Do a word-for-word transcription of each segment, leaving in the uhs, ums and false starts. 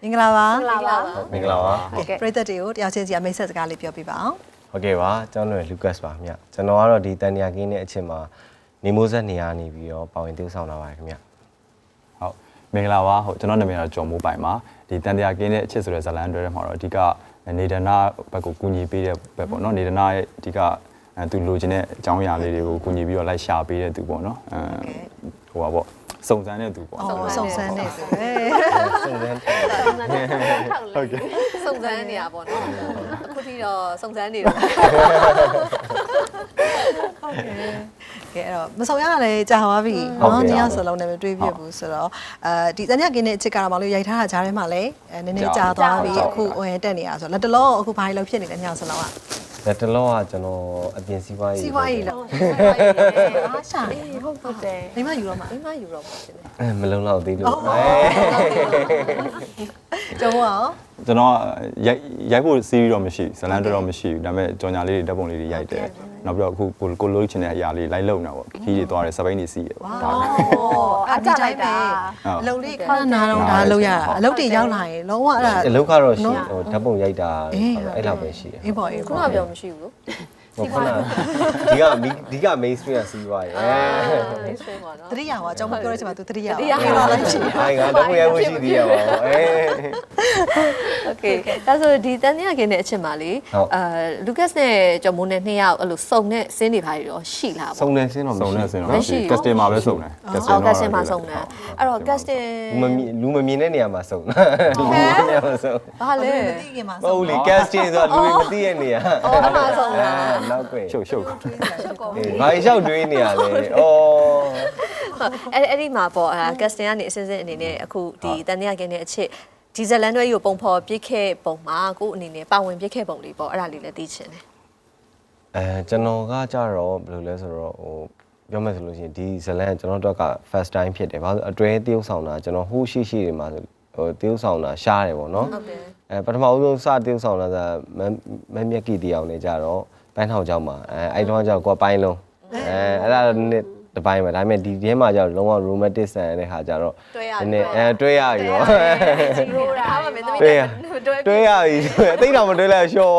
င်္ဂလာပါမင်္ဂလာပါမင်္ဂလာပါဟုတ်ကဲ့ပရိသတ်တွေကိုတရားချင်းစီအမိတ်ဆက်စကားလေးပြောပြပါအောင်ဟုတ်ကဲ့ပါကျွန်တော်တို့လူကတ်ပါခင်ဗျကျွန်တော်ကတော့ဒီတန်တရာကင်းတဲ့အချိန်မှာနေမိုးဆက်နေရနေပြီးတော့ပါဝင်တိုးဆောင်လာပါတယ်ခင်ဗျဟုတ်မင်္ဂလာပါဟုတ်ကျွန်တော်နာမည်ကတော့ကျော်မိုးပိုင်ပါဒီတန်တရာကင်းတဲ့အချက်ဆိုတဲ့ဇာတ်လမ်းတွဲထဲမှာတော့အဓိကနေဒနာဘက်ကိုကူညီပေးတဲ့ဘက်ပေါ့နော်နေဒနာရဲ့အဓိကသူလိုချင်တဲ့အကြောင်းအရာလေးတွေကိုကူညီပြီးတော့လိုက်ရှာပေးတဲ့သူပေါ့နော်အဲဟိုပါပေါ့စုံစမ်းတဲ့သူပေါ့စုံစမ်းတဲ့သူပဲစုံစမ်းဟုတ်ကဲ့စုံစမ်းနေတာပေါ့နော်အခုထိတော့စုံစမ်းနေတော့ဟုတ်ကဲ့ကဲအဲ့တော့မဆောင်ရလည်းကြာသွားပြီနော်ညစလုံးနဲ့မတွေးပြဘူးဆိုတော့အဲဒီတန်ရကင်းတဲ့အချစ်ကတော့မလို့ရိုက်ထားတာဂျားထဲမှာလည်းနည်းနည်းကြာသွားပြီအခုဝင်တက်နေတာဆိုတော့လက်တလုံးအခုဘာလို့ဖြစ်နေလဲညစလုံးကလက်တလုံးကကျွန်တော်အပြင်စီးပွားရေးစီးပွားရေးလားအားရှာဟုတ်ဟုတ်တယ်မိမယူတော့မှာမိမယူတော့မှာဖြစ်တယ်အဲမလုံလောက်သေးလို့ကျော်မောကျွန်တော်ရိုက်ရိုက်ဖို့စီးပြီးတော့မရှိဇလန်တော့မရှိဘူးဒါပေမဲ့ကြော်ညာလေးတွေဓာတ်ပုံလေးတွေရိုက်တယ်နောက်ပြီးတော့အခုကိုကိုလိုချင်တဲ့အရာလေးလိုက်လုံနေတာပေါ့ခီးတွေသွားတယ်စပိန်တွေစီးတယ်ပေါ့ဒါပဲအကြလိုက်ပဲအလုပ်လေးခဏနာတော့ဒါလုပ်ရတာအလုပ်တွေရောက်လာရင်လုံးဝအဲ့ဒါအလုပ်ကတော့ရှိဟိုဓာတ်ပုံရိုက်တာအဲ့လောက်ပဲရှိတယ်အေးပေါ့အေးခုနကပြောမရှိဘူးလို့ဟုတ်ကဲ့ဒီကဒီက main stream ကစီးသွားရယ် main stream ပါနော်တတိယဟောအကြောင်းပြောရချင်မှာ तू တတိယတတိယပြောလိုက်ရှိအိုင်ကတော့ဘယ်ရရှိသေးရပါဘောအေး okay ဒါဆိုဒီတန်တရာကင်းတဲ့အချက်မှာလေအာလူကတ်နဲ့ကျော်မိုးနဲ့နှစ်ယောက်အဲ့လိုစုံတဲ့စင်းတွေပါပြီးတော့ရှိလာပေါ့စုံနေစင်းတော့စုံနေစင်းတော့မရှိ customer ပဲစုံတယ် customer customer စုံတယ်အဲ့တော့ customer လူမမြင်တဲ့နေရာမှာစုံတာလူမြင်တဲ့နေရာမှာစုံဘာလဲမသိခင်မှာစုံဟုတ်လေ casting ဆိုတာလူမသိတဲ့နေရာအော်အမှားစုံတာနောက်ကွယ်ရှုပ်ရှုပ်ဘာလျှောက်တွေးနေရလဲဩအဲ့အဲ့ဒီမှာပေါ့အဲ casting ကနေအစင်းစင်းအနေနဲ့အခုဒီတန်တရာကင်းတဲ့အချက်ဒီဇလန်တွဲကြီးကိုပုံဖော်ပြစ်ခဲ့ပုံမှာကိုအနေနဲ့ပါဝင်ပြစ်ခဲ့ပုံလေးပေါ့အဲ့ဒါလေးလည်းသိချင်တယ်အဲကျွန်တော်ကကြတော့ဘယ်လိုလဲဆိုတော့ဟိုပြောမယ်ဆိုလို့ရှိရင်ဒီဇလန်ကျွန်တော်တို့က first time ဖြစ်တယ်ဘာလို့အတွဲတရုပ်ဆောင်တာကျွန်တော်ဟိုးရှိရှိတွေမှာဟိုတရုပ်ဆောင်တာရှားတယ်ပေါ့နော်ဟုတ်တယ်အဲပထမဦးဆုံးစတရုပ်ဆောင်တာကမမမြက်ကီတီအောင်နေကြတော့ပိုင်းထောင်ကြောက်မှာအဲအဲ့တော့ကျတော့ကိုပိုင်းလုံးအဲအဲ့ဒါနဲ့တပိုင်းပဲဒါပေမဲ့ဒီထဲမှာကျတော့လုံးဝ romantic ဆန်တဲ့ခါကျတော့နည်းအဲတွဲရပြီရောတွဲရတွဲရပြီအသိတော်မတွဲလဲရှော့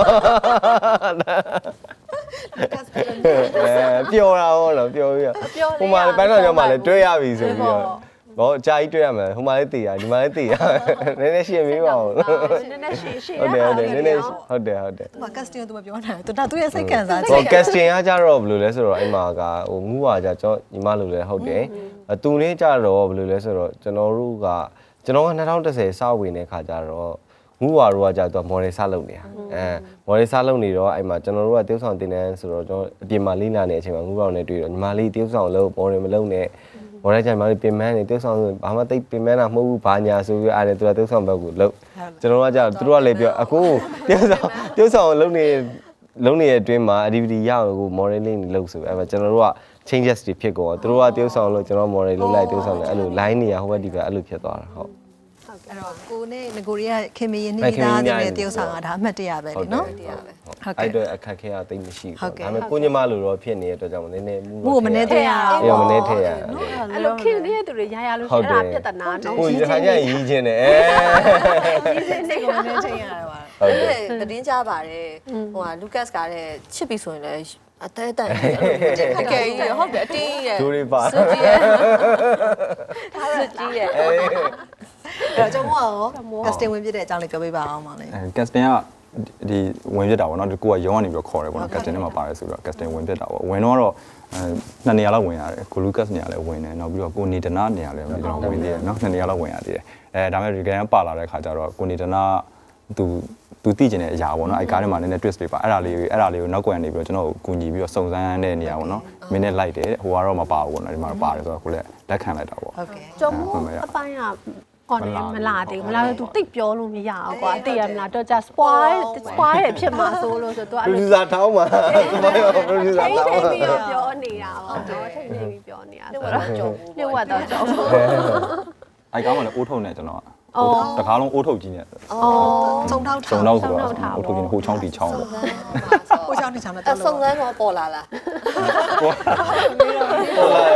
အဲပျော်တာဟောလို့ပျော်ပြီးတော့ဟိုမှာပိုင်းထောင်ကြောက်မှာလဲတွဲရပြီဆိုပြီးတော့ဘောအကြာကြီးတွေ့ရမယ်ဟိုမှာလည်းတည်ရဒီမှာလည်းတည်ရနည်းနည်းရှင်းမေးပါဦးနည်းနည်းရှင်းရှင်းဟုတ်တယ်ဟုတ်တယ်နည်းနည်းဟုတ်တယ်ဟုတ်တယ်ဟို casting သူမပြောနိုင်သူဒါသူရဲ့စိတ်ခံစားချက်ဟို casting ကကြတော့ဘယ်လိုလဲဆိုတော့အဲ့မှာကဟိုငူးပါကြကျွန်တော်ညီမလိုလဲဟုတ်တယ်သူနဲ့ကြတော့ဘယ်လိုလဲဆိုတော့ကျွန်တော်တို့ကကျွန်တော်က၂၀၁၀စဝင်တဲ့ခါကြတော့ငူးပါတို့ကကြတော့ model စလုပ်နေတာအဲ model စလုပ်နေတော့အဲ့မှာကျွန်တော်တို့ကတရုပ်ဆောင်တင်တန်းဆိုတော့ကျွန်တော်အပြင်မှာလေးလာနေတဲ့အချိန်မှာငူးပါနဲ့တွေ့တော့ညီမလေးတရုပ်ဆောင်လို့ model မလုပ်နဲ့ဘော်ရဲကြိုင်မလေးပြင်မန်းနေတုပ်ဆောင်ဆိုဘာမှတိတ်ပြင်မန်းတာမဟုတ်ဘူးဘာညာဆိုပြီးအားနဲ့သူကတုပ်ဆောင်ဘက်ကိုလှုပ်ကျွန်တော်ကကြာသူတို့ကလည်းပြောအခုတုပ်ဆောင်တုပ်ဆောင်လုံနေလုံနေတဲ့အတွင်းမှာ activity ရအောင်ကို modeling လုပ်ဆိုအဲ့မှာကျွန်တော်တို့က changes တွေဖြစ်ကုန်တော့သူတို့ကတုပ်ဆောင်လို့ကျွန်တော် model လုပ်လိုက်တုပ်ဆောင်တယ်အဲ့လို line နေရဟိုဘက်ဒီဘက်အဲ့လိုဖြစ်သွားတာဟုတ်အဲ့တော့ကိုနဲ့ငကိုရီးယားခင်မင်းနေသားတွေနဲ့တရုပ်ဆောင်ကဒါအမှတ်တရပဲလေနော်ဟုတ်တယ်အဲ့တော့အခက်ခဲအသိမရှိဘူးဒါပေမဲ့ကိုညီမလိုတော့ဖြစ်နေတဲ့အတွက်ကြောင့်နည်းနည်းမှုမှုမနေသေးရအောင်အေးမနေသေးရအဲ့လိုခင်နေတဲ့သူတွေရရလို့အဲ့ဒါပြဿနာနော်ကိုရခိုင်ကြရီးချင်းတယ်အဲရီးချင်းစိတ်ကိုမနေချင်းရတာပါဟုတ်တယ်သတင်းကြပါတယ်ဟိုကလူကတ်ကလည်းချစ်ပြီဆိုရင်လည်းအသေးတန်တကယ်ကြီးဟုတ်တယ်အတင်းကြီးရဲ့ဒူရီပါစွကြီးရဲ့စွကြီးရဲ့အဲ့တော့ကျွန်တော်ရော casting ဝင်ပြတဲ့အကြောင်းလေးပြောပြပါအောင်ပါလေအဲ casting ကဒီဝင်ပြတာပေါ့နော်ကိုကရုံးကနေပြီးတော့ခေါ်တယ်ပေါ့နော် casting ထဲမှာပါတယ်ဆိုတော့ casting ဝင်ပြတာပေါ့ဝင်တော့အဲနှစ်နေရာလောက်ဝင်ရတယ်ကိုလူကတ်နေရာလည်းဝင်တယ်နောက်ပြီးတော့ကိုနေဒနာနေရာလည်းကျွန်တော်ဝင်သေးတယ်နော်နှစ်နေရာလောက်ဝင်ရသေးတယ်အဲဒါပေမဲ့ဒီကနေ့ပါလာတဲ့ခါကျတော့ကိုနေဒနာသူသူသိကျင်တဲ့အရာပေါ့နော်အဲကားထဲမှာနည်းနည်း twist တွေပါအဲ့ဒါလေးအဲ့ဒါလေးကိုနောက်ကွယ်နေပြီးတော့ကျွန်တော်ကိုကူညီပြီးတော့စုံစမ်းတဲ့နေရာပေါ့နော်မင်းနဲ့လိုက်တယ်ဟိုကတော့မပါဘူးပေါ့နော်ဒီမှာပါတယ်ဆိုတော့ကိုလည်းလက်ခံလိုက်တာပေါ့ဟုတ်ကဲ့ကျော်မိုးအပိုင်းကကောနေမလာသေးဘူးမလာတော့ तू တိတ်ပြောလို့မရအောင်ကွာသိရမလားတော့ကြာ spoil spoil ရဖြစ်မှာဆိုလို့ဆိုတော့သူအဲ့လို producer ထောင်းမှာသူမရော producer ထောင်းမှာပြီးတော့ပြောနေတာပေါ့တော့ထိတ်နေပြီးပြောနေတာဆိုတော့လျှို့ဝတ်တော့ကျော်မိုးအဲကောင်းမှလည်းအိုးထုံနေကျွန်တော်အော်တကားလုံးအိုးထုတ်ကြီးနေအော်စုံထောက်စုံတော့ဆိုတော့အိုးထုတ်ကြီးဟိုချောင်းတီချောင်းပေါ့ဟိုချောင်းတီချောင်းနဲ့တော့စုံစမ်းတော့ပေါ်လာလားပေါ်လာပေါ်လာ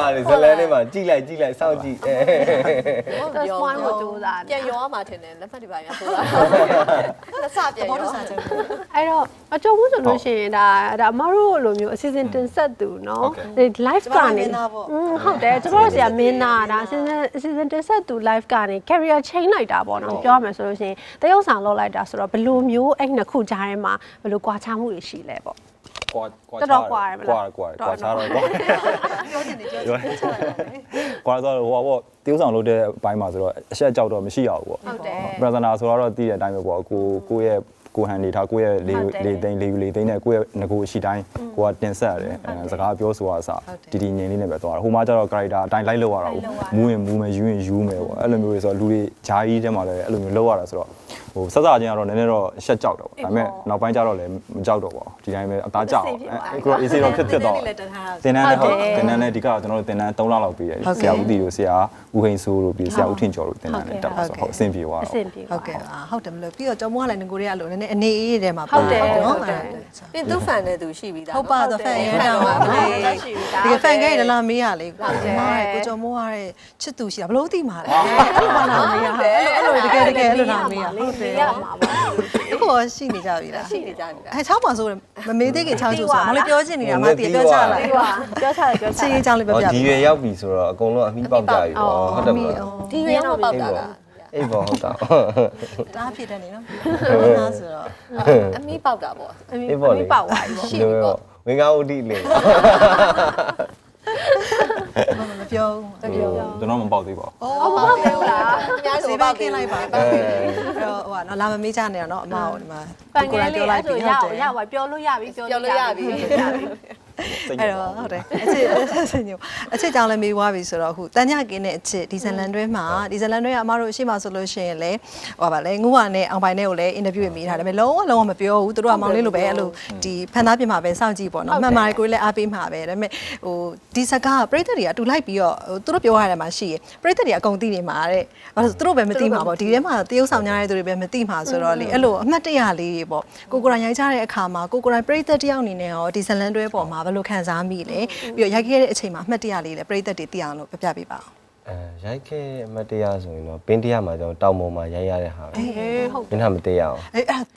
ပါတယ်ဇလန်းလေးမှာကြည့်လိုက်ကြည့်လိုက်စောင့်ကြည့်အဲတော့ spoil ကိုကြိုးစားတယ်ပြန်ရောမှာထင်တယ်လက်ဖက်တွေပါများထိုးတာလက်စပြန်ရောအဲ့တော့အကျုံးမှုဆိုလို့ရှိရင်ဒါဒါအမတို့လိုမျိုးအစီအစဉ်တင်ဆက်သူเนาะ live ကနေဟုတ်တယ်ကျွန်တော်တို့ဆရာမင်းသားဒါအစီအစဉ်အစီအစဉ်တင်ဆက်သူ live ကနေ career change လိုက်တာပေါ့နော်ပြောရမယ်ဆိုလို့ရှိရင်တရုပ်ဆောင်လုပ်လိုက်တာဆိုတော့ဘယ်လိုမျိုးအဲ့နှစ်ခုကြားထဲမှာဘယ်လိုကွာခြားမှုတွေရှိလဲပေါ့ကွာကွာတော်တော်ကွာရမလားကွာကွာကွာချားတော့ကွာပြောချင်တယ်ပြောချင်တယ်ကွာတော့ဟိုပေါ့တိ ဥဆောင်လုပ်တဲ့အပိုင်းမှာဆိုတော့အဆက်ကြောက်တော့မရှိရဘူးပေါ့ဟုတ်တယ်ပရဇနာဆိုတော့တည်တဲ့အတိုင်းပဲပေါ့ကိုကိုရဲ့ကိုဟန်နေထားကိုရဲ့လေလေသိန်းလေလေသိန်းနဲ့ကိုရဲ့ငကိုရှိတိုင်းကိုကတင်ဆက်ရတယ်အဲစကားပြောဆိုတာအစတီတီငင်လေးနဲ့ပဲသွားတာဟိုမှာကျတော့ character အတိုင်းလိုက်လောက်ရတာမူးရင်မူးမယ်ယူရင်ယူမယ်ပေါ့အဲ့လိုမျိုးတွေဆိုတော့လူတွေဂျာကြီးတဲမှာလည်းအဲ့လိုမျိုးလောက်ရတာဆိုတော့ဟိုဆက်စားချင်းကတော့နည်းနည်းတော့ရှက်ကြောက်တော့ဒါပေမဲ့နောက်ပိုင်းကျတော့လည်းမကြောက်တော့ပါဘူးဒီတိုင်းပဲအသားကြောက်အဲ့ကို easy တော့ဖြစ်ဖြစ်တော့တင်တန်းနဲ့ဟုတ်တင်တန်းနဲ့ဒီကကျွန်တော်တို့တင်တန်း၃လလောက်ပြီးတယ်ဆရာဦးတီတို့ဆရာဦးဟိန်ဆိုးတို့ပြီးဆရာဦးထင်ကျော်တို့တင်တန်းနဲ့တက်ဆိုဟုတ်အဆင်ပြေသွားတော့ဟုတ်ကဲ့ဟုတ်တယ်မလို့ပြီးတော့ကျော်မိုးကလည်းငကိုတွေကလို့နည်းနည်းအနေအေးထဲမှာဟုတ်တယ်နော်ဟုတ်တယ်ပြင်သူဖန်တဲ့သူရှိပြီးသားဟုတ်ပါတော့ဖန်ရဲတာပါဒီဖန်ခဲရလာမေးရလေကိုကိုကျော်မိုးရတဲ့ချစ်သူရှိတာဘလို့သိမှာလဲအဲ့လိုလာမေးရအဲ့လိုတကယ်တကယ်အဲ့လိုလာမေးရဟုတ်တယ်ရမှာပါအခုရှိနေကြပြီလားရှိနေကြပြီလားအဲချောင်းပါဆိုမမေးသေးခင်ချောင်းကျူဆိုမလေးပြောချင်နေတာမတည်ပြောချလာပြီးပါပြောချတယ်ပြောချစီရေးချောင်းလေးပြောဟောပြဒီရွယ်ရောက်ပြီဆိုတော့အကုန်လုံးအမိပေါက်ကြပြီပေါ့ဟုတ်တယ်မလားဒီရတော့ပေါက်တာလားအေးပေါ့ဟုတ်တာတားဖြစ်တယ်နေနော်ဟုတ်ဆိုတော့အမီးပေါက်တာပေါ့အေးပေါ့လေပေါက်သွားပြီပေါ့ရှိပြီပေါ့ဝင်းကားဦးတီလေမပြောဘူးပြောကျွန်တော်မပေါက်သေးပါဘူးအော်မဟုတ်ဘူးလားအများစေဆိုဘပေါက်က်ခင်းလိုက်ပါအဲ့တော့ဟိုကနော်လာမမေးချနေတော့နော်အမကိုဒီမှာပန်ကလေးလေးအဲ့ဆိုရအောင်ရပါပြောလို့ရပြီပြောလို့ရပြီအဲ့တော့ဟုတ်တယ်အချစ်ဆင်ညိုအချစ်ကြောင့်လည်းမေးသွားပြီဆိုတော့အခုတန်ညကင်းတဲ့အချစ်ဒီဇလန်တွဲမှာဒီဇလန်တွဲကအမတို့အရှိမဆိုလို့ရှိရင်လေဟိုပါလေငူဝါနဲ့အောင်ပိုင်နဲ့ကိုလည်းအင်တာဗျူးရေးမိထားတယ်ဒါပေမဲ့လုံးဝလုံးဝမပြောဘူးသူတို့ကမောင်လေးလိုပဲအဲ့လိုဒီဖန်သားပြင်မှာပဲစောင့်ကြည့်ပေါ့နော်မှန်ပါတယ်ကိုလည်းအားပေးမှာပဲဒါပေမဲ့ဟိုဒီစကားပရိသတ်တွေကအတူလိုက်ပြီးတော့ဟိုသူတို့ပြောရတယ်မှာရှိရပရိသတ်တွေအကုန်သိနေမှာတဲ့ဘာလို့သူတို့ပဲမသိမှာပေါ့ဒီထဲမှာတရုပ်ဆောင်များတဲ့သူတွေပဲမသိမှာဆိုတော့လေအဲ့လိုအမှတ်တရလေးတွေပေါ့ကိုကိုရိုင်းရိုက်ကြတဲ့အခါမှာကိုကိုရိုင်းပရိသတ်တယောက်အနေနဲ့ရောဒီဇလန်တွဲပေါ်မှာဘယ်လိုခံစားမိလဲပြီးတော့ရိုက်ခဲ့တဲ့အချိန်မှာအမှတ်တရလေးလည်းပရိသတ်တွေသိအောင်လို့ပြပြပေးပါအောင်အဲရိုက်ခဲ့အမတ်တရားဆိုရင်တော့ပင်းတရားမှာကျွန်တော်တောင်ပေါ်မှာရိုက်ရတဲ့ဟာပဲအေးဟုတ်မင်းကမသိရအောင်အေးအဲ့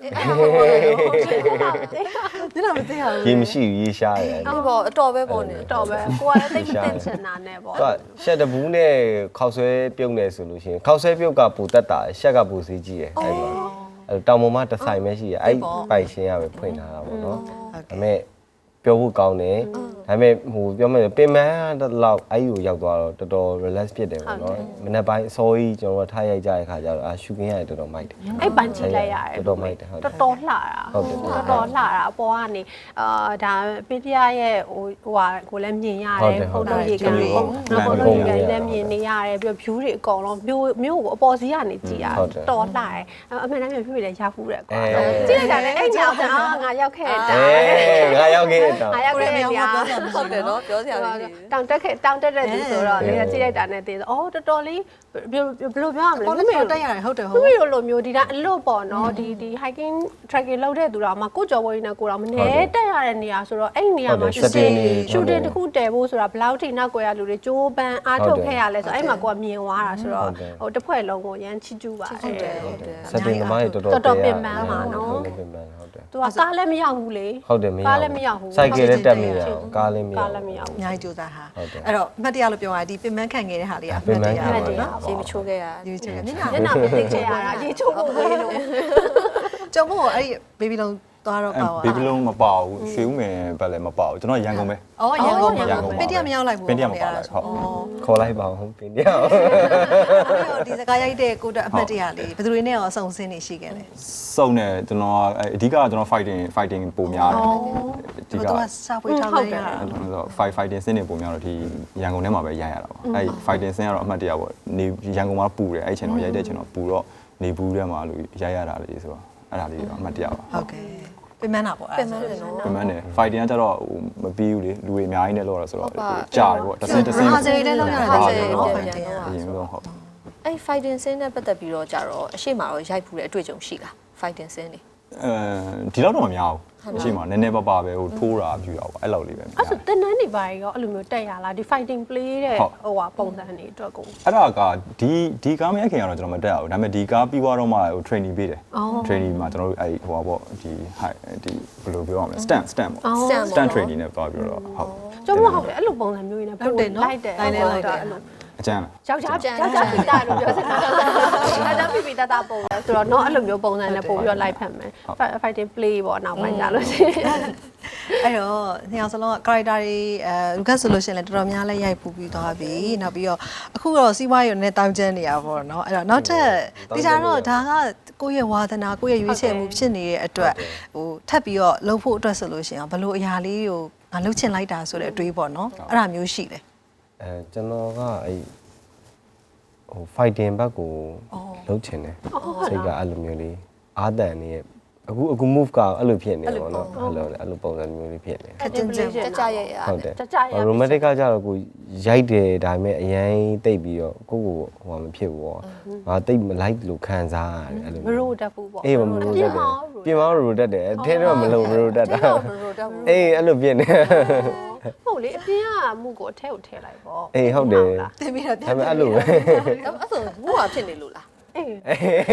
ဒါမသိရဘူးရေမရှိဘူးရေရှားတယ်ဒီပေါ့အတော်ပဲပေါ့နေတော့ပဲကိုကလည်းသိမသိချင်တာနဲ့ပေါ့သူကရှက်တဘူးနဲ့ခောက်ဆွဲပြုတ်နေဆိုလို့ရှိရင်ခောက်ဆွဲပြုတ်ကပူတက်တာရှက်ကပူစီးကြီးတယ်အဲ့မှာအဲ့တောင်ပေါ်မှာတစ်ဆိုင်ပဲရှိရအဲ့ပိုင်ရှင်းရပဲဖွင့်ထားတာပေါ့နော်ဒါပေမဲ့ပြောဖို့ကောင်းတယ်ဒါပေမဲ့ဟိုပြောမယ်ပင်မလောက်အဲ့ကိုရောက်သွားတော့တော်တော် relax ဖြစ်တယ်ပေါ့နော်မနေ့ပိုင်းအစောကြီးကျွန်တော်ထားရိုက်ကြတဲ့ခါကျတော့အာရှူကင်းရတယ်တော်တော်မိုက်တယ်အဲ့ပန်ကြည့်လိုက်ရတယ်တော်တော်မိုက်တယ်ဟုတ်တယ်တော်တော်လှတာဟုတ်တယ်တော်တော်လှတာအပေါ်ကနေအာဒါပင်းပြရဲ့ဟိုဟိုဟာကိုလည်းမြင်ရတယ်ဖုန်းတို့ရေကန်ပေါ့နောက်ဖုန်းတို့ရေကန်လည်းမြင်နေရတယ်ပြီးတော့ view တွေအကုန်လုံးမျိုးမျိုးကိုအပေါ်စီးကနေကြည့်ရတော်လှတယ်အမှန်တမ်းမြင်ဖြစ်ပြီးလည်းရဖူးတယ်ကွာကြည့်လိုက်တာလည်းအဲ့ကြောင့်အာငါရောက်ခဲ့တာအေးငါရောက်ခဲ့တာငါရောက်ခဲ့တယ်ဗျာဟုတ်တယ်နော်ပြောစရာမရှိဘူးတောင်တက်ခဲ့တောင်တက်တဲ့သူဆိုတော့လေကြည့်လိုက်တာနဲ့သိတယ်အော်တော်တော်လေးဘယ်လိုပြောရမလဲပေါ်လို့တက်ရတယ်ဟုတ်တယ်ဟုတ်သူတို့လိုမျိုးဒီတိုင်းအလွတ်ပေါ့နော်ဒီဒီ hiking trekking လုပ်တဲ့သူတော်မှကိုကြော်ဝင်းနဲ့ကိုတော်မနေတက်ရတဲ့နေရာဆိုတော့အဲ့နေရာမှာ shooting shooting တခုတည်ဖို့ဆိုတာဘယ်လောက်ထိနောက်ကွယ်ရလူတွေကြိုးပမ်းအားထုတ်ခဲ့ရလဲဆိုအဲ့မှာကိုကမြင်သွားတာဆိုတော့ဟိုတစ်ဖွဲ့လုံးကိုရမ်းချီကျူးပါဟုတ်တယ်ဟုတ်တယ်စက်တင်သမားတွေတော်တော်တော်တော်ပင်ပန်းပါနော်ပင်ပန်းဟုတ်တယ်သူကကားလည်းမရောက်ဘူးလေဟုတ်တယ်မရကားလည်းမရောက်ဘူးစိုက်ကယ်လည်းတက်မရအောင်ကားလည်းမရကားလည်းမရောက်အဘူးများကြီးကြိုးစားဟာဟုတ်တယ်အဲ့တော့အမှတ်တရလို့ပြောရဒီပင်မခံခဲ့တဲ့ဟာလေးကအမှတ်တရပင်မခံပေါ့ခဲ့နော်ရေမချိုးခဲ့ရဒီချက်ကမျက်ညနှာနာမသိချင်ရတာရေချိုးဖို့ဝေးလို့ကျော်မို့အဲ့ဒီ baby လုံးသွားတော့ပါဘေဘီလုံးမပေါဘူးရွှေဦးမယ်ဘက်လည်းမပေါဘူးကျွန်တော်ရန်ကုန်ပဲအော်ရန်ကုန်ရန်ကုန်ပါပင်တရမရောက်လိုက်ဘူးပင်တရမပါလိုက်ဟုတ်ခေါ်လိုက်ပါဦးပင်တရားဒီစကားရိုက်တဲ့ကိုတက်အမှတ်တရလေးဘယ်သူတွေနဲ့ရောစုံစင်းနေရှိခဲ့လဲစုံနေကျွန်တော်အဓိကကျွန်တော် fighting fighting ပုံများတယ်အဓိကသူကစာပွေးထားလိုက်ရတာအဲ့တော့ fight fighting စင်းနေပုံများတော့ဒီရန်ကုန်ထဲမှာပဲရိုက်ရတာပေါ့အဲ့ fighting စင်းကတော့အမှတ်တရပေါ့နေရန်ကုန်မှာပူတယ်အဲ့ချိန်တော့ရိုက်တဲ့ချိန်တော့ပူတော့နေဘူးထဲမှာလို့ရိုက်ရတာလေဆိုတော့အဲ့ဒါလေးတော့အမှတ်တရပါဟုတ်ကဲ့ပင်မနာပေါ့အဲ့ပင်မတယ်နော်ပြန်မှန်းတယ် fighting ကကျတော့ဟိုမပြီးဘူးလေလူတွေအများကြီးနဲ့လောက်ရဆိုတော့ကြာတယ်ပေါ့တစ်စင်းတစ်စင်းဟာစေးလေးလောက်ရတယ်ဟာဟာစေးစေးလေးနော်ပြန်ဖိုင်ပြန်တင်ရတော့အရင်ဆုံးဟုတ်အဲ့ fighting scene နဲ့ပတ်သက်ပြီးတော့ကြတော့အရှိမတော့ရိုက်ဖူးတဲ့အတွေ့အကြုံရှိလား fighting scene နေအဲဒီလောက်တော့မများဘူးအရှိမနည်းနည်းပါးပါပဲဟိုထိုးတာပြူတာပေါ့အဲ့လောက်လေးပဲအဲ့ဆိုတင်နန်းနေပါရောအဲ့လိုမျိုးတက်ရလားဒီ fighting play တဲ့ဟိုဟာပုံစံတွေအတွက်ကိုအဲ့ဒါကဒီဒီကားမရခင်ကတော့ကျွန်တော်မတက်အောင်ဒါပေမဲ့ဒီကားပြီးသွားတော့မှဟို training ပေးတယ် training မှာကျွန်တော်တို့အဲ့ဟိုပါပေါ့ဒီ high ဒီဘယ်လိုပြောရမလဲ stand stand ပေါ့ stand training နဲ့သွားပြီးတော့ဟုတ်ကျွန်တော်ဟုတ်တယ်အဲ့လိုပုံစံမျိုးနေပို့လိုက်တယ်အဲ့လိုအကျန်းလားယောက်ျားယောက်ျားပြတာလို့ပြောစကားယောက်ျားပြပြတတပုံလဲဆိုတော့တော့အဲ့လိုမျိုးပုံစံနဲ့ပို့ပြီးတော့လိုက်ဖက်မယ် fighting play ပေါ့နောက်ပိုင်းကြလို့ရှိရင်အဲ့တော့နှစ်ယောက်စလုံးက character တွေအဲလူကဆိုလို့ရှိရင်လည်းတော်တော်များလည်းရိုက်ပူပြီးသွားပြီနောက်ပြီးတော့အခုတော့စီးပွားရေးနဲ့တောင်းကျမ်းနေရပါတော့เนาะအဲ့တော့နောက်ထပ်ဒီစားတော့ဒါကကိုယ့်ရဲ့ဝါသနာကိုယ့်ရဲ့ရွေးချယ်မှုဖြစ်နေတဲ့အတွက်ဟိုထပ်ပြီးတော့လှုပ်ဖို့အတွက်ဆိုလို့ရှိရင်ဘယ်လိုအရာလေးကိုငါလှုပ်ချင်လိုက်တာဆိုတဲ့အတွေးပေါ့เนาะအဲ့ဒါမျိုးရှိတယ်အဲကျွန်တော်ကအဲ့ဟို fighting ဘက်ကိုလုပ်ချင်တယ်စိတ်ကအဲ့လိုမျိုးလေးအာတန်နေအခုအခု move ကအဲ့လိုဖြစ်နေတယ်ပေါ့နော်အဲ့လိုအဲ့လိုပုံစံမျိုးလေးဖြစ်နေခက်ချင်းချင်းကြကြရရဟုတ်တယ် romantic ကကြတော့ကိုရိုက်တယ်ဒါပေမဲ့အရင်တိတ်ပြီးတော့ကိုကိုဟိုမဖြစ်ဘူးပေါ့ငါတိတ်မလိုက်လို့ခံစားရတယ်အဲ့လိုမရိုးတက်ဘူးပေါ့အေးမရိုးတက်တယ်ပြင်မရိုးတက်တယ်အထင်းတော့မလုံးမရိုးတက်တာအေးအဲ့လိုဖြစ်နေဟုတ်လေအပြင်ကမှုကိုအထက်ကိုထည့်လိုက်ပေါ့အေးဟုတ်တယ်တင်ပြီးတော့ဒါပေမဲ့အဲ့လိုပဲအဲ့ဆိုဘူးဟာဖြစ်နေလို့လားအေး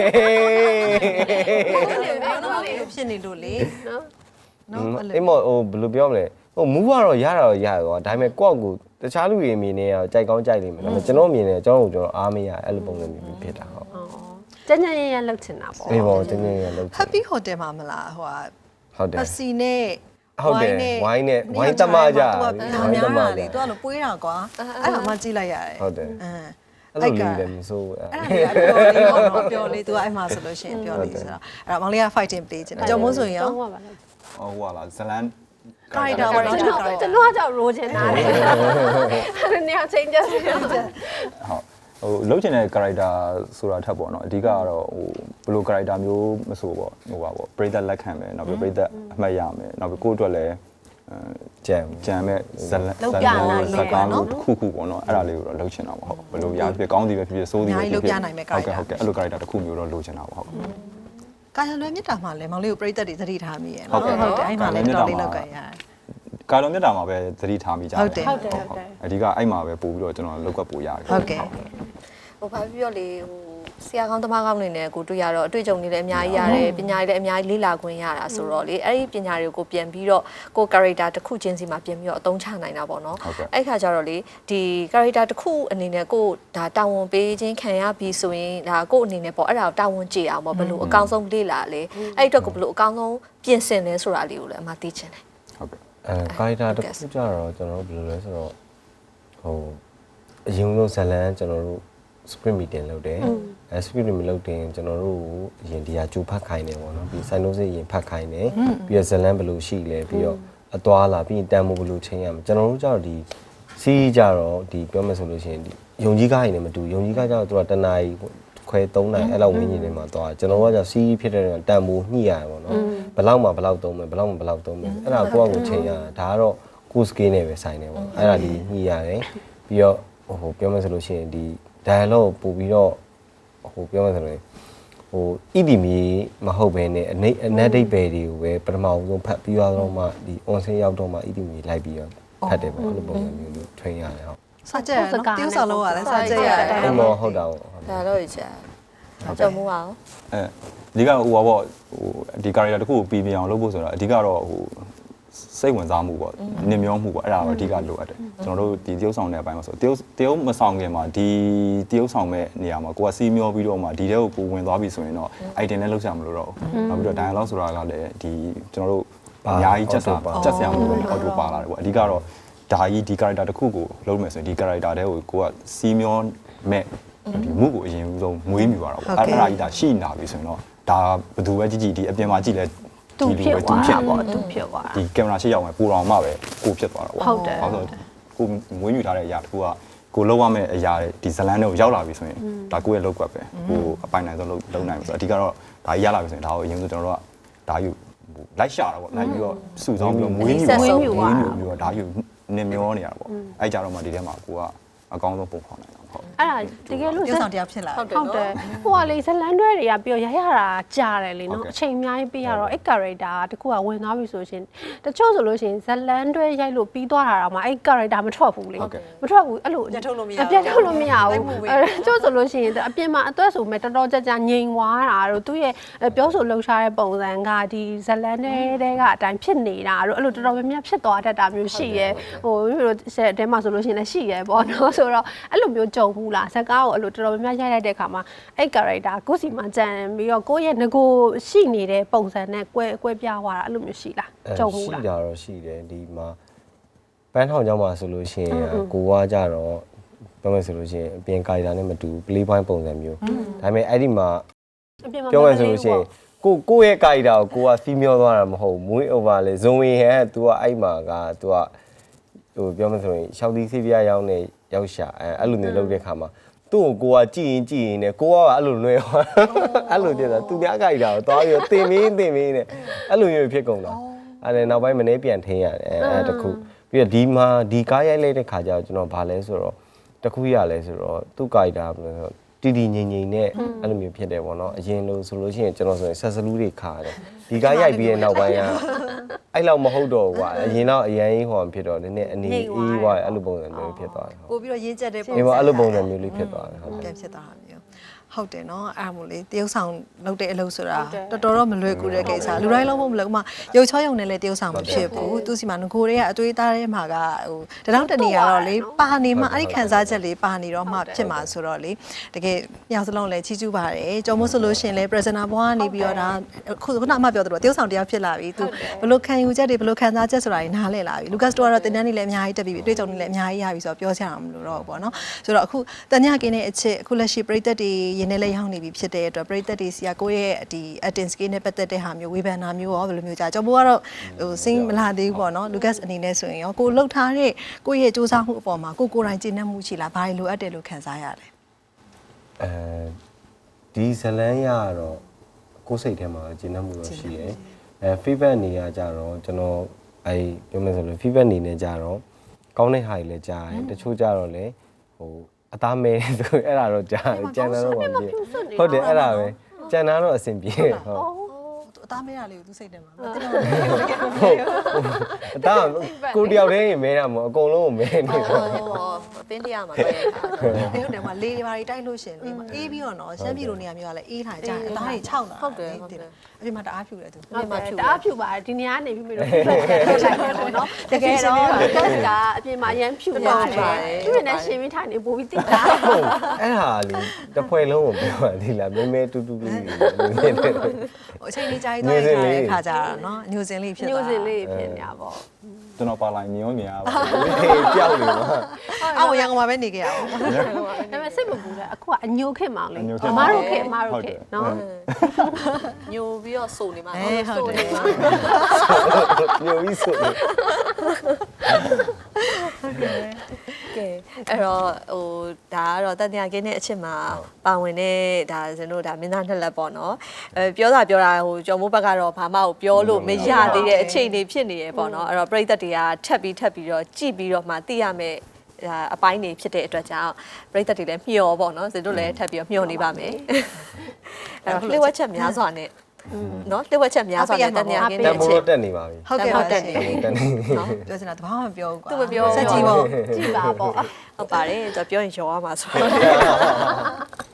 ဖြစ်နေလို့လေနော်နော်အေးမဟိုဘယ်လိုပြောမလဲဟိုမူကတော့ရတာတော့ရရောဒါပေမဲ့ကိုယ့်ကိုတခြားလူတွေအမြင်နဲ့ကြိုက်ကောင်းကြိုက်လိမ့်မယ်ဒါပေမဲ့ကျွန်တော်အမြင်နဲ့ကျွန်တော်တို့ကျွန်တော်အားမရအဲ့လိုပုံစံမျိုးဖြစ်တာဟုတ်ကျန်ကျန်ရရလှုပ်ချင်တာပေါ့အေးပေါ့ကျန်ကျန်ရရလှုပ်ချင် Happy Hotel မှာမလားဟိုဟာဟုတ်တယ်ပစီနဲ့ဟုတ်တယ်ဝိုင်းနဲ့ဝိုင်းတမကြဝိုင်းတမလေသူကလို့ပွေးတာကွာအဲ့ဒါမှကြည့်လိုက်ရတယ်ဟုတ်တယ်အင်းအဲ့လိုလေးလည်းမစိုးဘူးအဲ့ဒါလေးကတော့ပြောလေးသူကအဲ့မှာဆိုလို့ရှိရင်ပြောလေးဆိုတော့အဲ့တော့မောင်လေးက fighting play ချင်တယ်ကြော်မိုးဆိုရင်ရောဟိုဟာလားဇလန် character ပေါ့နော်ကျွန်တော်ကကြောက်ရိုးချင်တာလေအဲ့နေရာ change ကြတယ်ဟုတ်ဟိုလုတ်ချင်တဲ့ character ဆိုတာထပ်ပေါ့နော်အဓိကကတော့ဟိုဘယ်လို character မျိုးမဆိုပေါ့ဟိုပါပေါ့ပရိသတ်လက်ခံမယ်နောက်ပြီးပရိသတ်အမှတ်ရမယ်နောက်ပြီးကိုယ့်အတွက်လည်းကြံကြံမဲ့ဇလန်ဇလန်ဇကားလို့ခုခုပေါ့နော်အဲ့ဒါလေးကိုတော့လှုပ်ချင်တာပေါ့ဟုတ်ဘယ်လိုရာဖြစ်ကောင်းစီပဲဖြစ်ဖြစ်ဆိုးစီပဲဖြစ်ဖြစ်ဟုတ်ကဲ့ဟုတ်ကဲ့အဲ့လို character တစ်ခုမျိုးတော့လှုပ်ချင်တာပေါ့ဟုတ်ကာယလွယ်မြတ်တာမှာလည်းမောင်လေးကိုပြိသက်တွေသတိထားမိရဲ့နော်ဟုတ်တယ်အဲ့မှာလည်းတော်လေးလောက်ကြရတယ်ကာယလွယ်မြတ်တာမှာပဲသတိထားမိကြတယ်ဟုတ်တယ်ဟုတ်တယ်ဟုတ်တယ်အဓိကအဲ့မှာပဲပို့ပြီးတော့ကျွန်တော်လောက်ကပ်ပို့ရတယ်ဟုတ်ကဲ့ဟိုဘာဖြစ်ပြောလေဟိုဆရာကောင်းသမားကောင်းနေနဲ့ကိုတွေ့ရတော့အတွေ့အကြုံတွေလည်းအများကြီးရတယ်ပညာတွေလည်းအများကြီးလေ့လာခွင့်ရတာဆိုတော့လေအဲ့ဒီပညာတွေကိုပြန်ပြီးတော့ကို character တစ်ခုချင်းစီမှာပြန်ပြီးတော့အသုံးချနိုင်တာပေါ့နော်အဲ့ခါကျတော့လေဒီ character တစ်ခုအနေနဲ့ကိုဒါတာဝန်ပေးခြင်းခံရပြီးဆိုရင်ဒါကိုအနေနဲ့ပေါ့အဲ့ဒါကိုတာဝန်ကြည့်အောင်ပေါ့ဘယ်လိုအကောင်းဆုံးလေ့လာလဲအဲ့အတွက်ကိုဘယ်လိုအကောင်းဆုံးပြင်ဆင်လဲဆိုတာလေးကိုလည်းအမှသိချင်တယ်ဟုတ်ကဲ့အဲ character တစ်ခုကြတော့ကျွန်တော်တို့ဘယ်လိုလဲဆိုတော့ဟိုအရင်ဆုံးဇလန်ကျွန်တော်တို့script meeting လုပ်တယ်အဲ script မလုပ်တင်ကျွန်တော်တို့အရင်ဒီဟာကြိုဖတ်ခိုင်းတယ်ပေါ့နော်ပြီး sign note အရင်ဖတ်ခိုင်းတယ်ပြီးတော့ဇလန်ဘယ်လိုရှိလဲပြီးတော့အသွားလာပြီးတန်မိုးဘယ်လိုချင်းရမလဲကျွန်တော်တို့ကျတော့ဒီစီးကြတော့ဒီပြောမယ်ဆိုလို့ရှိရင်ဒီယုံကြီးကားရင်လည်းမတူယုံကြီးကားကျတော့သူကတနာရီခွဲသုံးနိုင်အဲ့လောက်ဝင်းကြီးနေမှာသွားကျွန်တော်ကကျစီးဖြစ်တဲ့တန်မိုးညှိရတယ်ပေါ့နော်ဘယ်လောက်မှဘယ်လောက်သုံးမယ်ဘယ်လောက်မှဘယ်လောက်သုံးမယ်အဲ့ဒါကိုယ့်အကိုချင်းရတာဒါကတော့ကို scale နဲ့ပဲဆိုင်တယ်ပေါ့အဲ့ဒါဒီညှိရတယ်ပြီးတော့ဟိုပြောမယ်ဆိုလို့ရှိရင်ဒီdialogue ပို့ပြီးတော့ဟိုပြောမှဆိုရင်ဟိုဣတိမီမဟုတ်ဘဲနဲ့အနေအနက်ဒိတ်ပဲတွေကိုပဲပထမဆုံးဖတ်ပြီးတော့မှဒီ on scene ရောက်တော့မှဣတိမီလိုက်ပြီးတော့ဖတ်တယ်ပေါ့အဲ့လိုပုံစံမျိုးလို့ train ရတယ်ဟုတ်စာကြက်နော်တိ ਉ ဆောင်လို့ရတယ်စာကြက်ရတယ်အဲ့လိုဟုတ်တာပေါ့ဒါတော့ကြာကြော်မိုးပါအောင်အဲဒီကဟိုပါပေါ့ဟိုဒီ character တစ်ခုကိုပြီးပြအောင်လုပ်ဖို့ဆိုတော့အဓိကတော့ဟိုစိတ်ဝင်စားမှုပေါ့နင်မျောမှုပေါ့အဲ့ဒါတော့အဓိကလိုအပ်တယ်ကျွန်တော်တို့ဒီတရုပ်ဆောင်တဲ့အပိုင်းမှာဆိုတရုပ်တရုပ်မဆောင်ခင်မှာဒီတရုပ်ဆောင်မဲ့နေရာမှာကိုကစီးမျောပြီးတော့မှဒီတဲ့ကိုပိုဝင်သွားပြီဆိုရင်တော့ item နဲ့လောက်ချမလို့တော့နောက်ပြီးတော့ dialogue ဆိုတာကလည်းဒီကျွန်တော်တို့အများကြီးချက်စားချက်စရာမလိုဘူး auto ပါလာတယ်ပေါ့အဓိကတော့ဒါကြီးဒီ character တစ်ခုကိုလုပ်မယ်ဆိုရင်ဒီ character တဲ့ကိုကိုကစီးမျောမဲ့ဒီမှုကိုအရင်ဆုံးမွေးမြူရတာပေါ့အဲ့ဒါကြီးဒါရှိနေတာပြီဆိုရင်တော့ဒါဘယ်သူပဲကြည့်ကြည့်ဒီအပြင်မှာကြည့်လဲသူဖြစ်သွားပေါ့သူဖြစ်သွားဒီကင်မရာရှေ့ရောက်မယ်ပူတော်မှပဲကိုဖြစ်သွားတာပေါ့ဟုတ်တယ်ဟုတ်ဆိုကိုမွေးမြူထားတဲ့အရာတစ်ခုကကိုလောက်ရမယ့်အရာဒီဇလန်းတွေကိုရောက်လာပြီဆိုရင်ဒါကိုရဲ့လောက်ကွက်ပဲကိုအပိုင်နိုင်ဆုံးလုံးလုံးနိုင်ပြီဆိုတော့အဓိကတော့ဒါကြီးရလာပြီဆိုရင်ဒါကိုအရင်ဆုံးကျွန်တော်တို့ကဒါယူလိုက်ရှာတာပေါ့လိုက်ပြီးတော့စုဆောင်းပြီးတော့မွေးမြူမွေးမြူပြီးတော့ဒါယူနင်မျောနေရတာပေါ့အဲ့ကြတော့မှဒီထဲမှာကိုကအကောင်းဆုံးပုံဖော်နိုင်တာအဲ့ဒါတကယ်လို့ရုပ်ဆောင်တရားဖြစ်လာဟုတ်တယ်ဟုတ်တယ်ဟိုကလေဇလန်တွဲတွေကပြီးတော့ရရတာကြားတယ်လေနော်အချိန်အများကြီးပေးရတော့အဲ့ character တခုကဝင်သွားပြီဆိုရှင်တချို့ဆိုလို့ရှင်ဇလန်တွဲရိုက်လို့ပြီးသွားတာတော့မှအဲ့ character မထွက်ဘူးလေမထွက်ဘူးအဲ့လိုပြတ်ထုတ်လို့မရပြတ်ထုတ်လို့မရဘူးအဲ့ကျို့ဆိုလို့ရှိရင်အပြင်မှာအသွက်ဆိုမဲ့တော်တော်ကြကြငြိမ်သွားတာတို့သူ့ရဲ့ပြောဆိုလှုပ်ရှားတဲ့ပုံစံကဒီဇလန်တွေတဲကအတိုင်းဖြစ်နေတာတို့အဲ့လိုတော်တော်များများဖြစ်သွားတတ်တာမျိုးရှိရဲဟိုမျိုးတို့ဆက်တဲမှာဆိုလို့ရှိရင်လည်းရှိရဲပေါ့နော်ဆိုတော့အဲ့လိုမျိုးကြုံဘူးလားဇကားကိုအဲ့လိုတော်တော်များများရိုက်လိုက်တဲ့ခါမှာအဲ့ character ကိုယ်စီမှာကြံပြီးတော့ကိုယ့်ရဲ့ငကိုရှိနေတဲ့ပုံစံနဲ့ကွဲကွဲပြားသွားတာအဲ့လိုမျိုးရှိလားကြုံဘူးလားရှိကြတော့ရှိတယ်ဒီမှာပန်းထောင်ကျောင်းမှာဆိုလို့ရှိရင်ကိုကကြတော့ပြောမယ်ဆိုလို့ရှိရင်အပြင်ကာရီတာနဲ့မတူ play point ပုံစံမျိုးဒါပေမဲ့အဲ့ဒီမှာပြောမယ်ဆိုလို့ရှိရင်ကိုကိုရဲ့ကာရီတာကိုကိုကစီးမျောသွားတာမဟုတ်မွေး over လေဇုံဝင်ဟန် तू ကအဲ့မှာက तू ကဟိုပြောမယ်ဆိုရင်ရှောက်သီးစီးပြားရောင်းနေရောက်ရှာအဲအဲ့လိုမျိုးလုပ်တဲ့ခါမှာသူ့ကိုကိုကကြည်ရင်ကြည်ရင်နဲ့ကိုကအဲ့လိုလွယ်သွားအဲ့လိုဖြစ်တာသူများကာရီတာကိုသွားပြီးတင်မင်းတင်မင်းနဲ့အဲ့လိုမျိုးဖြစ်ကုန်တာအဲ့ဒါနောက်ပိုင်းမနေပြန်ထင်းရတယ်အဲတခုပြီးတော့ဒီမှာဒီကားရိုက်လိုက်တဲ့ခါကျတော့ကျွန်တော်ဗာလဲဆိုတော့တခုရလဲဆိုတော့သူ့ကာရီတာတီတီငိမ့်ငိမ့်နဲ့အဲ့လိုမျိုးဖြစ်တယ်ပေါ့နော်အရင်လို့ဆိုလို့ရှိရင်ကျွန်တော်ဆိုရင်ဆက်စလူးတွေခါတယ်ဒီကားရိုက်ပြီးတဲ့နောက်ပိုင်းကအဲ့လောက်မဟုတ်တော့ဘူးကွာအရင်တော့အရန်ကြီးဟောဖြစ်တော့နည်းနည်းအနေအေးွားအဲ့လိုပုံစံမျိုးဖြစ်သွားတယ်ဟုတ်ပို့ပြီးတော့ရင်းချက်တဲ့ပုံအေးပေါ့အဲ့လိုပုံစံမျိုးလေးဖြစ်သွားတယ်ဟုတ်ပြန်ဖြစ်သွားတာမျိုးဟုတ်တယ်နော်အဲ့ဒါမို့လေတရုပ်ဆောင်လုပ်တဲ့အလုပ်ဆိုတာတော်တော်တော့မလွယ်ကူတဲ့ကိစ္စလူတိုင်းလုံးမလုပ်မှရုပ်ချောရုံနဲ့လည်းတရုပ်ဆောင်မဖြစ်ဘူးသူစီမှာငကိုတွေကအသွေးသားထဲမှာကဟိုတထောင်တနေရတော့လေပါနေမှအဲ့ဒီခံစားချက်လေးပါနေတော့မှဖြစ်မှာဆိုတော့လေတကယ်ညောင်စလုံးလည်းချီးကျူးပါတယ်ကြော်မို့ဆိုလို့ရှင်လေ presenter ဘွားကနေပြီးတော့ဒါခုခုနအမပြောသလိုတရုပ်ဆောင်တရားဖြစ်လာပြီသူဘလို့ခံယူချက်တွေဘလို့ခံစားချက်ဆိုတာတွေနားလည်လာပြီ Lucas တို့ကတော့တင်တန်းနေလည်းအများကြီးတက်ပြီးတွေ့ကြုံနေလည်းအများကြီးရပြီဆိုတော့ပြောချင်အောင်မလို့တော့ဘူးပေါ့နော်ဆိုတော့အခုတန်ညကင်းတဲ့အချစ်အခုလက်ရှိပရိသတ်တွေရင်းနေလဲရောက်နေပြီဖြစ်တဲ့အတွက်ပရိသတ်တွေစီကကိုယ့်ရဲ့ဒီ acting skill နဲ့ပတ်သက်တဲ့ဟာမျိုးဝေဖန်တာမျိုးရောဘယ်လိုမျိုးကြာကျွန်တော်ကတော့ဟိုစင်းမလာသေးဘူးပေါ့နော် Lucas အနေနဲ့ဆိုရင်ရောကိုလှုပ်ထားတဲ့ကိုယ့်ရဲ့စူးစမ်းမှုအပေါ်မှာကိုကိုယ်တိုင်ကျင့်တတ်မှုရှိလားဘာလို့လိုအပ်တယ်လို့ခံစားရလဲအဲဒီဇလန်းရတော့ကိုယ်စိတ်ထဲမှာကျဉ်းနှံ့မှုတော့ရှိတယ်အဲ feedback နေရကြတော့ကျွန်တော်အဲပြောမယ်ဆိုလို့ feedback နေနေကြတော့ကောင်းတဲ့ဟာတွေလည်းကြားတယ်တချို့ကြတော့လေဟိုအသားမဲဆိုအဲ့ဒါတော့ကြားတယ်ကြံတာတော့မပြေဟုတ်တယ်အဲ့ဒါပဲကြံတာတော့အဆင်ပြေဟုတ်အသားမဲတာလေးကိုသူစိတ်တယ်မှာမသိတော့အသားကိုတယောက်တည်းရင်မဲတာမဟုတ်အကုန်လုံးကိုမဲနေတယ်ဟောအပင်းတရားမှာပဲဟုတ်တယ်မှာလေတွေဘာတွေတိုက်လို့ရှင်လေမှာအေးပြီးတော့နော်ရှမ်းပြည်လိုနေရာမျိုးကလည်းအေးထားကြတယ်အသားတွေခြောက်လာအပြင်မှာတအားဖြူတယ်သူဟုတ်တယ်တအားဖြူပါတယ်ဒီနေရာကနေပြီးပြီးတော့ထွက်လိုက်တယ်ပေါ့နော်တကယ်တော့ကတ်ကအပြင်မှာအရန်ဖြူပါတယ်ဖြူနေရှင်ပြီးထိုင်နေပို့ပြီးတိတာအဲ့ဟာလေတစ်ဖွဲလုံးကိုပြောပါသေးလားမဲမဲတူတူလေးနေတယ်ဟိုအချိန်လေးကြာကြီးသွားရတဲ့ခါကြတာနော်ညိုစင်လေးဖြစ်သွားညိုစင်လေးဖြစ်နေတာပေါ့ကျွန်တော်ပါလိုက်မြင်ရောမြင်ရပါကြောက်နေပါအော်ရန်ကုန်မှာပဲနေခဲ့ရအောင်ဒါပေမဲ့စိတ်မပူလဲအခုကအညိုခက်မောင်လေးအမတို့ခက်အမတို့ခက်နော်ညိုပြီးတော့စုံနေမှာစုံနေမှာညိုပြီးဆိုကဲအဲ့တော့ဟိုဒါကတော့တန်တရားကင်းတဲ့အချစ်မှာပါဝင်တဲ့ဒါဇင်တို့ဒါမင်းသားနှစ်လက်ပေါ့နော်အဲပြောတာပြောတာဟိုကျော်မိုးဘက်ကတော့ဘာမှကိုပြောလို့မရသေးတဲ့အခြေအနေဖြစ်နေရပေါ့နော်အဲ့တော့ပရိသတ်တွေကထပ်ပြီးထပ်ပြီးတော့ကြည့်ပြီးတော့မှသိရမယ်အပိုင်းနေဖြစ်တဲ့အတွက်ကြောင့်ပရိသတ်တွေလည်းမျှော်ပေါ့နော်ဇင်တို့လည်းထပ်ပြီးတော့မျှော်နေပါမယ်အဲ့တော့လှည့်ဝက်ချက်များစွာနဲ့နော်လှည့်ဝက်ချက်များစွာနဲ့တန်တရားကင်းတတဲ့န်အဖိုးချစ်တော့တက်နေပါပြီဟုတ်ကဲ့ပါတက်ရှင်နေတက်နေနော်ပြောစင်တာတဘာမှမပြောဘူးကွာသူမပြောစက်ကြီးပေါ့ကြည့်ပါပေါ့ဟုတ်ပါတယ်ကျွန်တော်ပြောရင်ရောရမှာဆို